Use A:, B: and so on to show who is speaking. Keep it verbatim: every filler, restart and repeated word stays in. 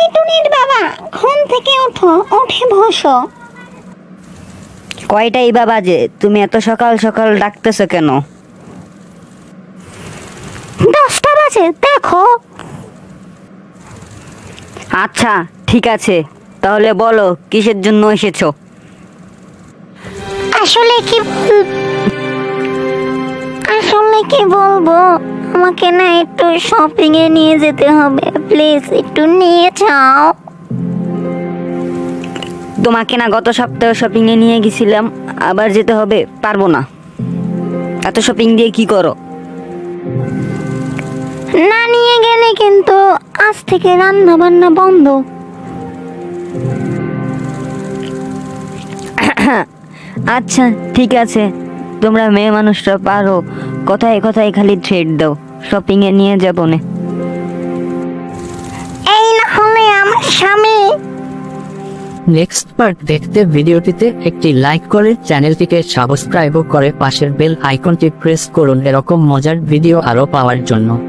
A: টুনির বাবা, ঘুম থেকে ওঠো, উঠে বসো।
B: কয়টাই বা বাজে? তুমি এত সকাল সকাল ডাকতেছো কেন?
A: দশটা বাজে, দেখো।
B: আচ্ছা ঠিক আছে, তাহলে বলো কিসের জন্য এসেছো?
A: আসলে কি বল আসলে কি বলবো, আমাকে না একটু শপিং এ নিয়ে যেতে হবে, প্লিজ একটু নিয়ে যাও।
B: তোমাকে না গত সপ্তাহে শপিং এ নিয়ে গেছিলাম, আবার যেতে হবে? পারবো না। এত শপিং দিয়ে কি করো?
A: না নিয়ে গেলে কিন্তু আজ থেকে রান্না বান্না বন্ধ।
B: আচ্ছা ঠিক আছে, তোমরা মেয়ে মানুষরা পারো, কথায় কথায় খালি থ্রেড দাও। শপিং এ নিয়ে যাবো না।
A: এই না হলে আমার স্বামী।
C: নেক্সট পার্ট দেখতে ভিডিওটিতে একটি লাইক করে চ্যানেলটিকে সাবস্ক্রাইব করে পাশের বেল আইকনটি প্রেস করুন এরকম মজার ভিডিও আরো পাওয়ার জন্য।